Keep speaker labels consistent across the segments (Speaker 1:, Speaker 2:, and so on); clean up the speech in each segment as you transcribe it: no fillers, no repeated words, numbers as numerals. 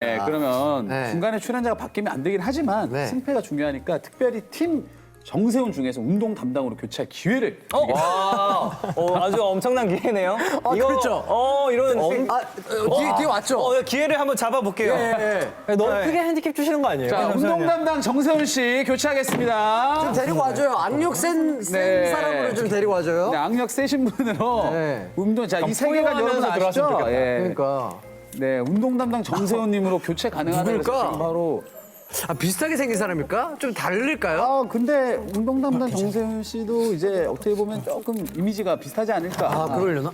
Speaker 1: 네, 그러면
Speaker 2: 네.
Speaker 1: 중간에 출연자가 바뀌면 안 되긴 하지만
Speaker 2: 네.
Speaker 1: 승패가 중요하니까 특별히 팀 정세훈 중에서 운동 담당으로 교체할 기회를 드리겠습니다.
Speaker 3: 아주 엄청난 기회네요.
Speaker 2: 그렇죠.
Speaker 3: 이런
Speaker 2: 뒤에 왔죠?
Speaker 3: 기회를 한번 잡아볼게요.
Speaker 4: 너무 크게 핸디캡 주시는 거 아니에요?
Speaker 1: 자, 운동 담당 정세훈 씨 교체하겠습니다.
Speaker 2: 좀 데리고 와줘요. 악력 센
Speaker 1: 네.
Speaker 2: 사람으로 좀 데리고 와줘요.
Speaker 1: 네, 악력 세신 분으로
Speaker 2: 네.
Speaker 1: 운동 자, 이 세계관 여러분 아시죠?
Speaker 4: 들어왔으면 좋겠다.
Speaker 1: 예.
Speaker 2: 그러니까.
Speaker 1: 네, 운동 담당 정세훈님으로 교체 가능하다고 해서
Speaker 2: 누굴까?
Speaker 1: 지금 바로
Speaker 2: 비슷하게 생긴 사람일까? 좀 다를까요?
Speaker 1: 아 근데 운동 담당 정세훈 씨도 이제 어떻게 보면 조금 이미지가 비슷하지 않을까?
Speaker 2: 그러려나?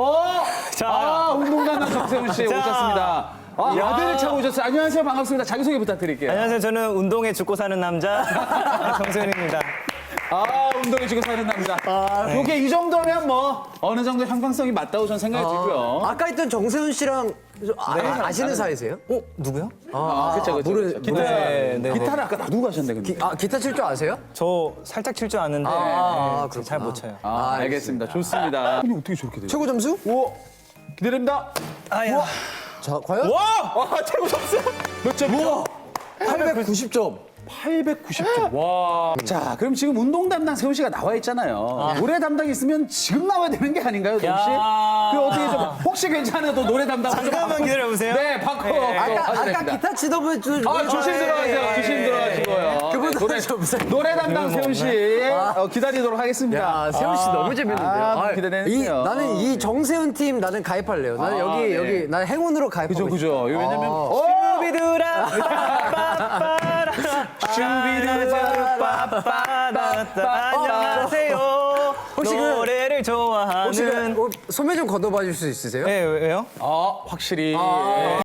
Speaker 1: 운동 담당 정세훈 씨 오셨습니다. 아들을 차고 오셨어요. 안녕하세요, 반갑습니다. 자기소개 부탁드릴게요.
Speaker 3: 안녕하세요. 저는 운동에 죽고 사는 남자 정세훈입니다.
Speaker 1: 운동에 지고 사는 남자. 요게 이 정도면 뭐 어느 정도 형평성이 맞다고 저는 생각이 들고요.
Speaker 2: 아까 있던 정세훈 씨랑 아시는 사이세요?
Speaker 3: 누구요?
Speaker 1: 그쵸. 기타,
Speaker 3: 네.
Speaker 1: 기타를 아까 놔두고 가셨네, 근데.
Speaker 2: 기타 칠 줄 아세요?
Speaker 3: 저 살짝 칠 줄 아는데
Speaker 2: 그렇구나.
Speaker 3: 잘 못 쳐요.
Speaker 1: 알겠습니다. 좋습니다. 근데 어떻게 저렇게 돼요?
Speaker 2: 최고 점수?
Speaker 1: 오, 기다립니다.
Speaker 2: 자, 과연?
Speaker 1: 최고 점수. 몇 점이요?
Speaker 2: 890점.
Speaker 1: 890점. 와. 자, 그럼 지금 운동 담당 세훈 씨가 나와 있잖아요. 노래 담당이 있으면 지금 나와야 되는 게 아닌가요, 세훈 씨? 그 어떻게 좀 혹시 괜찮아도 노래 담당 좀
Speaker 3: 잠깐만
Speaker 1: 바꿔-
Speaker 3: 기다려보세요.
Speaker 1: 네, 바꿔.
Speaker 2: 아까 기타 치던 분 좀.
Speaker 1: 조심 들어가세요. 조심 들어가시고요.
Speaker 2: 그분은 점수.
Speaker 1: 노래 담당 세훈 씨 기다리도록 하겠습니다.
Speaker 2: 야, 세훈 씨 너무 재밌는데요.
Speaker 1: 기대되네요.
Speaker 2: 나는 이 정세훈 팀 나는 가입할래요. 나는 여기 난 행운으로 가입하고
Speaker 1: 그죠.
Speaker 2: 싶어요.
Speaker 1: 왜냐면
Speaker 3: 슈비두라 안녕하세요.
Speaker 2: 혹시
Speaker 3: 노래를
Speaker 2: 혹시
Speaker 3: 좋아하는
Speaker 2: 소매 좀 걷어봐 줄 수 있으세요?
Speaker 3: 네, 왜요?
Speaker 1: 확실히